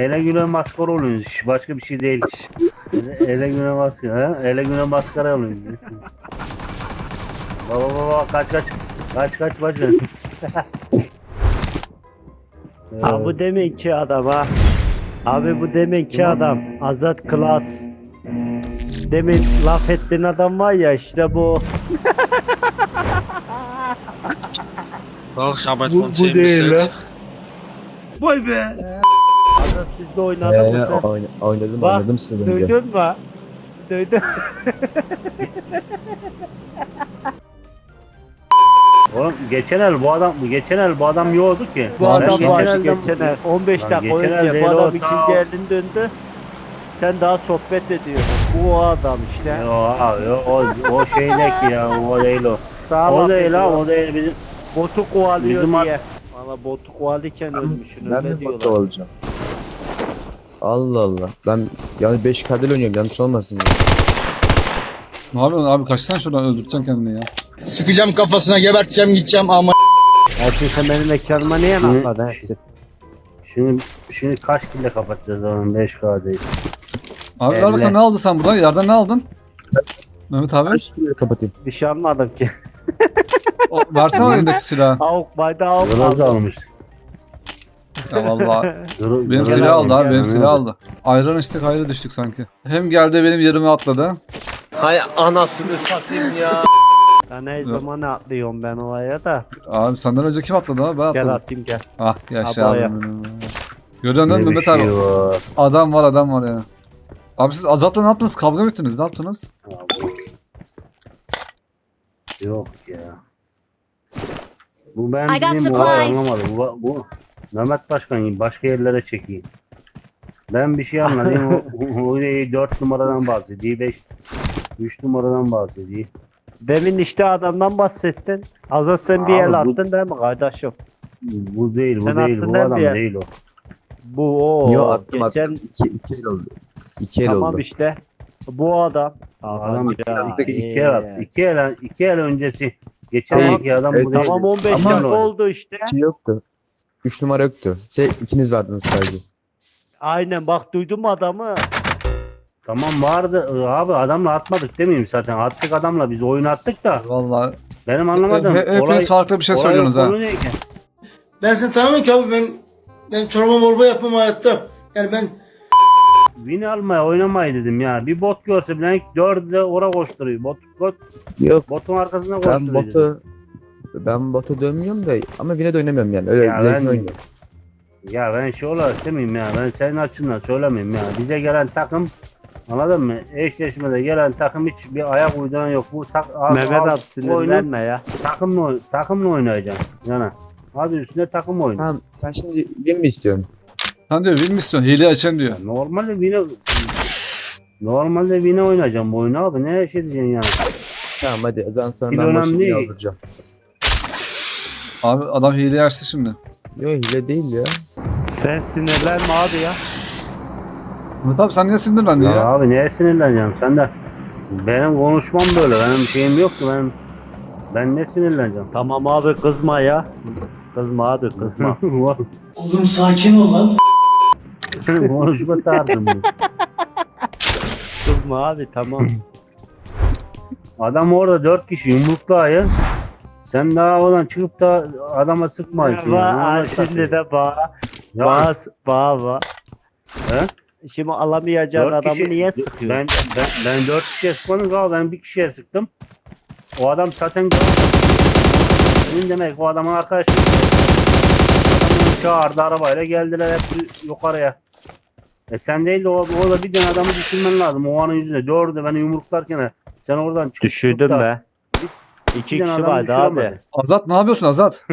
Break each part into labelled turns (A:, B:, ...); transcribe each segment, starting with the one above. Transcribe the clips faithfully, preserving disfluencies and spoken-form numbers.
A: ele güne maskara oluyoruz. Başka bir şey değil. Ele, ele güne maskara. Ha? Ele güne maskara oluyoruz. Baba baba kaç kaç. Kaç kaç kaç.
B: Ha bu demek ki adam ha. Abi bu demek ki adam. Azat Klas. Demin laf ettiğin adam var ya işte bu.
C: Bak Şabat
A: Bu, bu değil lan.
D: Vay be.
B: Azat sizde oynadı mı
E: Ee,
B: sen?
E: oyn oynadım
B: Bak,
E: oynadım size önce.
B: Duydun mu? Duydun.
A: Oğlum geçen el bu adam geçen el bu adam yoktu ki.
B: Bu
A: Ben
B: adam
A: geçen
B: var
A: elden-
B: geçen el. on beş
A: Lan
B: dakika
A: geçen el
B: önce
A: değil
B: bu
A: o,
B: adam
A: ta-
B: ikinci elin döndü. Sen daha sohbet ediyorsun. Bu o adam işte.
A: Yo abi o, o, o şeydeki ya o değil o.
B: Sağ
A: O
B: laf
A: değil ha
B: ediyor.
A: o değil bizim.
B: Botu kovalıyor
A: Bizim
B: diye. Valla botu kovalıyken ölmüşsün
E: Ben
B: öyle
E: mi
B: diyorlar.
E: botta olacağım? Allah Allah. Ben yani beş kadel oynuyorum yanlış olmasın ya.
D: Ne yapıyorsun abi, kaçsana şuradan, öldüreceksin kendini ya.
F: Sıkacağım kafasına, geberteceğim, gideceğim ama.
B: Ersin sen benim ekranıma niye
A: Hı.
B: anlatmadın Ersin?
A: Şimdi şimdi kaç kille kapatacağız onun beş K değil.
D: Abi ver
B: Elle.
D: bakalım, ne aldın sen buradan? Yerden ne aldın? Mehmet abi.
E: Kaç kere kapatayım?
B: Bir şey almadım ki.
D: O, versene elindeki silahı.
B: Avuk bayda avuk
A: Groz
B: aldım.
A: almış.
D: Ya vallahi.
A: Gro-
D: Benim
A: Groz
D: silah aldı
A: almış
D: abi, benim
A: yani.
D: silah aldı. Ayran içtik, ayrı düştük sanki. Hem geldi benim yerime atladı.
C: Hay anasını satayım ya.
B: Ben her
D: Yok.
B: zaman atlıyorum ben oraya da.
D: Abi senden önce kim atladı abi? Ben
B: Gel
D: atladım.
B: atayım gel.
D: Ah yaşa
B: Abaya.
D: abi. Görüyorsun değil mi
A: Ne bir
D: Mehmet abi?
A: şey var.
D: Adam var, adam var ya. Abi siz Azat'la ne yaptınız? Kavga mı ettiniz? Ne yaptınız?
A: Abi. Yok ya. Bu ben
G: I got
A: bizim olay
G: supplies.
A: anlamadım. Bu, bu Mehmet Başkan başka yerlere çekeyim. Ben bir şey anladım. o, o dört numaradan bahsediyor. beş üç numaradan bahsediyor.
B: Demin işte adamdan bahsettin. Azat sen bir
A: Abi
B: el
A: bu-
B: attın değil mi kardeşim?
A: Bu değil, bu
B: Sen
A: değil,
B: attın
A: bu
B: değil
A: adam
B: mi ya?
A: değil o.
B: Bu o.
E: Yo attım
B: Geçen
E: attım. İki, iki el oldu. İki el
B: tamam
E: oldu.
B: işte. Bu adam.
A: Adam iki,
B: Ya,
A: iki,
B: iyi.
A: iki el attı. İki el, iki el öncesi. Geçen
B: Tamam.
A: iki adam
E: Evet,
A: bu değil.
B: Tamam on beş
E: Ama-
B: dakika oldu işte.
E: Şey yoktu. Üç numara yoktu. Şey ikiniz vardınız sadece.
B: Aynen bak duydun mu adamı?
A: Tamam vardı abi adamla atmadık demeyeyim zaten. Attık adamla biz oyun attık da.
D: Vallahi.
A: Benim anlamadım.
D: He- he- hepiniz farklı bir şey
A: olay
D: söylüyorsunuz ha.
A: konu ne ki?
F: Ben seni tanımıyorum ki abi, ben ben çorba morba yapmam hayatta. Yani ben
A: Win almaya oynamayı dedim ya. Bir bot görse bile dördü de ora koşturuyor. Bot, bot,
E: Yok.
A: botun arkasına
E: Ben
A: koşturuyor. dedim.
E: botu ben botu dönmüyorum da ama yine de oynamıyorum yani. Öyle
A: Ya
E: zevkli
A: ben-
E: oynuyorum.
A: Ya ben şey olarak demeyeyim ya. Ben senin açından söylemeyeyim ya. Bize gelen takım anladın mı? Eşleşmede gelen takım hiç bir ayak uyduran yok. Bu tak, al-
B: Mehmet
A: al-
B: abi
A: bu oyunu
B: sinirlenme ya.
A: takımla, oy- takımla oynayacaksın. Yani. Adı üstünde takım oyunu.
E: Tamam sen şimdi win mi istiyorsun?
D: Sen diyor win mi istiyorsun? Hile açayım diyor.
A: Normalde Vine Normalde Vine oynayacağım bu oyunu abi. Ne şey diyeceksin yani?
E: Tamam hadi o zaman sonra
A: Hile
E: ben
A: önemli
E: başını
A: değil.
E: aldıracağım.
D: Abi adam hile açtı şimdi.
E: Yok hile değil ya.
B: Sen sinirlenme abi ya.
D: Mehmet abi sen niye sinirlendin
A: Ya,
D: ya?
A: abi neye sinirleneceğim? Sen de benim konuşmam böyle. Benim şeyim yok ki. Benim ben ne sinirleneceğim?
B: Tamam abi kızma ya. Kızma abi kızma.
F: oğlum sakin ol lan.
A: Senin konuşma tarzın bu.
B: Kızma abi tamam.
A: Adam orada dört kişi yumruklu ayı. Sen daha oradan çıkıp da adama sıkmayısın.
B: Ba
A: ya.
B: şimdi de bağ.
A: Ya,
B: Bağ bağ bağ.
A: He?
B: Şimdi alamayacağın
A: dört
B: adamı
A: kişi-
B: niye sıkıyorsun?
A: Ben, ben, ben dört kişiye sıkmadım abi. Ben bir kişiye sıktım. O adam zaten senin demek o adamın arkadaşı. Adamı çağırdı arabayla geldiler hep yukarıya. E sen değil de o, o da bir tane adamı düşünmen lazım. O anın yüzüne dördü beni yumruklarken sen oradan çıkıp
B: Düşürdüm
A: da-
B: be. İki
A: bir tane
B: kişi
A: adam
B: vardı abi.
A: düşüremedi.
D: Azat ne yapıyorsun Azat?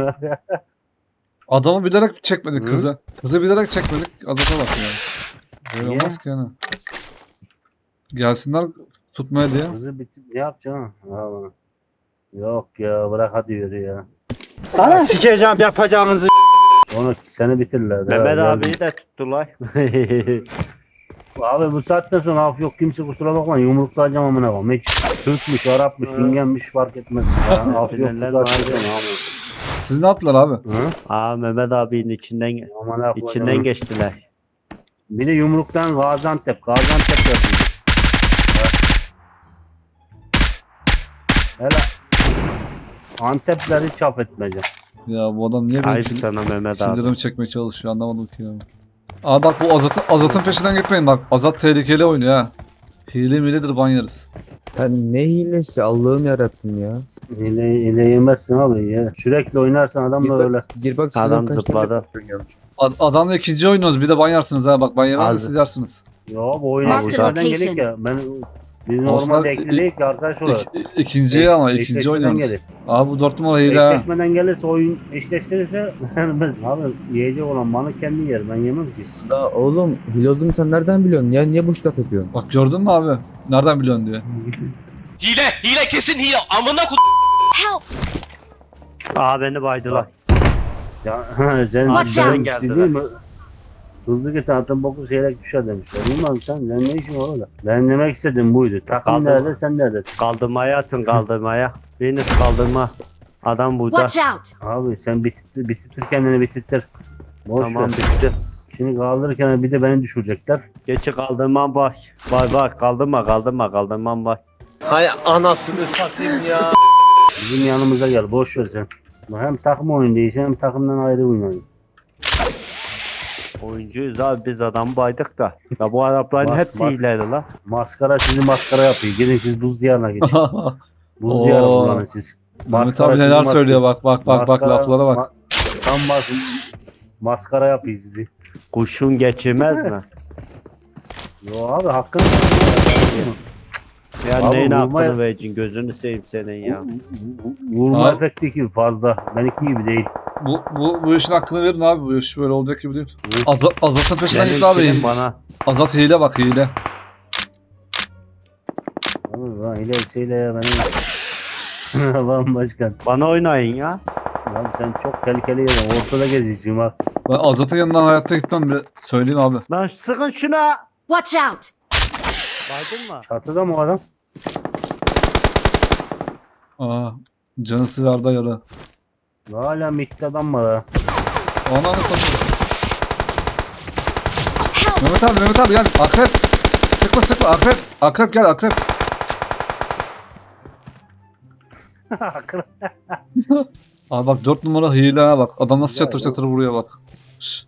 D: Adamı bilerek çekmedik
A: Hı?
D: kızı. Kızı bilerek çekmedik. Azat'a bak ya. Böyle
A: Niye?
D: olmaz ki yani. Gelsinler tutmaya diye.
A: Kızı bitip ne yapacaksın? Abi. Yok ya bırak hadi yürü ya.
F: Sikeceğim yapacağınızı.
A: Onu seni bitirler.
B: Mehmet
A: Ya,
B: abiyi de tuttular.
A: Abi bu saatten sonra af yok kimse kusura bakma yumruklayacağım amına koyayım. Hiç Türkmüş, Arapmış,
B: Hı.
A: Singenmiş fark etmez. Ya, af yok bu
B: Sinirlenme
A: saatten
B: abi.
A: sonra abi.
D: Siz ne yaptılar abi?
A: Hı?
B: Aa Mehmet abinin içinden
A: Aman ha,
B: içinden geçtiler.
A: Bir de yumruktan Gaziantep. Gaziantep yapıyor. Hele Antepleri çap etmeyeceğim.
D: Ya bu adam niye benim
B: Ayıp
D: kill-
B: sana Mehmet abi.
D: killerimi çekmeye çalışıyor anlamadım ki ya. Aa bak bu Azat'ın Azat'ın peşinden gitmeyin bak. Azat tehlikeli oynuyor ha. Hile miledir ban yeriz.
E: Ya ne hilesi Allah'ım yarabbim ya.
A: Hile, hile yemezsin abi ya. Sürekli oynarsan adam
E: Gir
A: da
E: bak,
A: öyle.
E: gir bak sizden
B: Adam
E: kaç tane
B: zıpladı.
E: oynuyormuş.
D: Ad- adamla ikinci oynuyoruz bir de ban yersiniz ha bak ban yemem de
B: Abi.
D: siz yersiniz.
A: Yo bu oyuna
G: Marked
A: ekstradan
G: location.
A: gelik ya. Ben biz
D: Osman,
A: normalde
D: i-
A: ekledik ki arkadaş olarak.
D: İk, ikinciye ama ikinci
A: Eşleşmeden
D: oynuyoruz.
A: gelir.
D: Abi bu dört numara hile ha.
A: Eşleşmeden gelirse oyun eşleştirirse ben abi yiyecek olan bana kendi yer. Ben yemem ki.
E: La oğlum hile olduğunu sen nereden biliyorsun ya? Niye boş laf yapıyorsun?
D: Bak gördün mü abi? Nereden biliyorsun diye.
C: Hile, hile kesin hile. Amına ko...
G: Help!
B: Aa beni baydılar.
A: Ya sen
G: Watch
A: sen
G: out.
A: ciddi değil mi? Hızlı git atın boku seyrek düşer demişler. Bilmem sen, sen ne işin var orada? Ben demek istedim buydu. Takım
B: Kaldım.
A: nerede sen nerede?
B: Kaldırmaya atın kaldırmaya. Biriniz kaldırma. Adam burada.
G: Watch out!
A: Abi sen bitir, bitir kendini bitir. Boş
B: Tamam
A: ver.
B: bitti.
A: Şimdi kaldırırken bir de beni düşürecekler.
B: Geçi kaldırmam bak. Bak bak kaldırma kaldırma kaldırmam bak.
C: Hay anasını satayım ya.
A: Bizim yanımıza gel boş ver sen. Hem takım oyundayız hem takımdan ayrı oynayın.
B: Oyuncuyuz abi biz adamı baydık da. Ya bu Arapların
A: Bas,
B: hepsi
A: bas.
B: hileli la.
A: Maskara sizi maskara yapıyor. Gidin siz buz diyarına gidin. Buz
D: Oo.
A: diyarı kullanın siz.
D: Mehmet
A: Maskara
D: abi
A: sizi
D: neler
A: maskara-
D: söylüyor bak bak bak bak
A: maskara-
D: laflara bak.
A: ma- Tam bak maskara yapıyor sizi.
B: Kuşun geçirmez mi?
A: Yo abi hakkını
B: Ya
A: Abi
B: neyin
A: vurma ya.
B: hakkını vereceksin gözünü seveyim senin ya.
A: Vurma
D: Abi.
A: efekti ki fazla. Benimki gibi değil.
D: Bu, bu, bu işin hakkını verin abi. Bu iş böyle olacak gibi değil. Azat, Azat'ın peşinden git
B: Benim
D: abi.
B: kilim bana.
D: Azat hile bak hile.
A: Abi lan ilesiyle ya benim. Lan başkan.
B: Bana oynayın ya.
A: Abi sen çok tehlikeli yerin. Ortada gezeceğim ha.
D: Ben Azat'ın yanından hayatta gitmem bile. Söyleyeyim abi.
B: Lan sıkın şuna.
G: Watch out!
B: Baydın mı?
A: Çatıda mı o adam?
D: Aa, canı sıvarda yara.
A: Hala mikte adam var ha.
D: Ona ne konuşuyor? Mehmet abi Mehmet abi gel. Akrep. Sıkma sıkma akrep. Akrep gel akrep. Abi bak dört numara hile ha bak. Adam nasıl
A: Güzel,
D: çatır
A: bu-
D: çatır vuruyor bak. Şşş.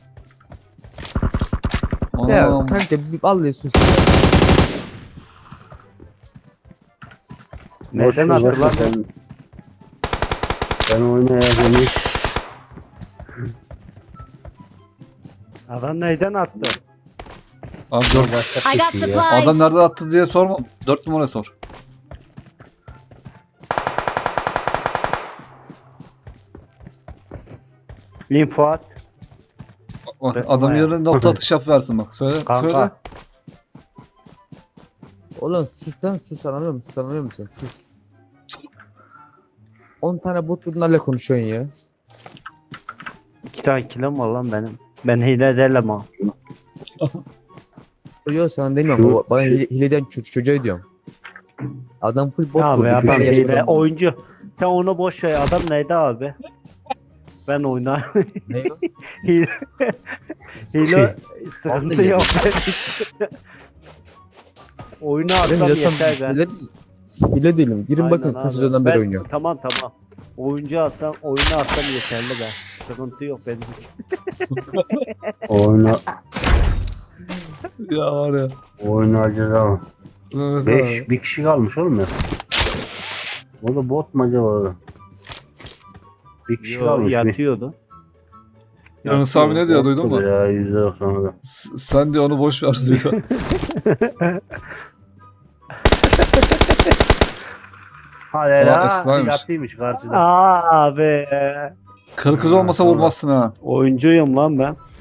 E: Ya
D: Anam.
E: kanka bir vallahi sus.
B: Neden
A: Boş ver,
B: attılar?
A: boş ver. Ben, ben oynayacağım.
B: Adam neyden attı?
D: Abi dört,
G: I got supplies!
D: adam nereden attı diye sorma. Dört numara sor.
B: Info at.
D: Bak,
B: Ben-
D: adam
B: ama
D: yerine nokta atış yap versin bak. Söyle. Söyle.
B: Kanka.
E: Oğlum sus lan sus anlamıyor musun? Sus anlamıyor musun? Sus. on tane bot bunlarla konuşuyorsun ya.
B: İki tane kilim var lan benim. Ben hile değilim ha.
E: Yok sana demiyorum.
A: Şu-
E: Baba, Bana hile, hileden ço- çocuğa diyorum. Adam full bot
B: Ya
E: kurdu.
B: be adam
E: Bir şey
B: hile
E: yaşamadan-
B: oyuncu. Sen onu boş ver. Adam neydi abi? Ben oynarım.
E: Ne o?
B: hile. hile sıkıntı
E: Vallahi
B: yok. Oyunu
E: Ben
B: atsam
E: zaten
B: yeter ben.
E: hile, hile değilim. Girin bakın
B: Aynen
E: kaç
B: abi.
E: sezondan beri
B: Ben-
E: oynuyorum.
B: Tamam tamam. Oyuncu atsam, oyunu atsam yeterli be. Sıkıntı yok benim için.
A: Oyna,
D: Ya var ya.
A: oynayacağız ama.
D: Mehmet
A: Beş,
D: abi.
A: bir kişi kalmış oğlum ya. O da bot mu acaba? Bir kişi
B: Yo,
A: kalmış. bir-
B: yatıyordu.
D: Yunus abi ne diyor duydun mu?
A: Ya yüzde doksan da.
D: S- Sen diyor onu boş ver diyor.
A: Hadi
D: Aa,
A: ya.
D: Esra'ymış.
A: Yatıymış karşıda.
B: Aa abi.
D: Karı kız olmasa vurmazsın ha.
B: Oyuncuyum lan ben.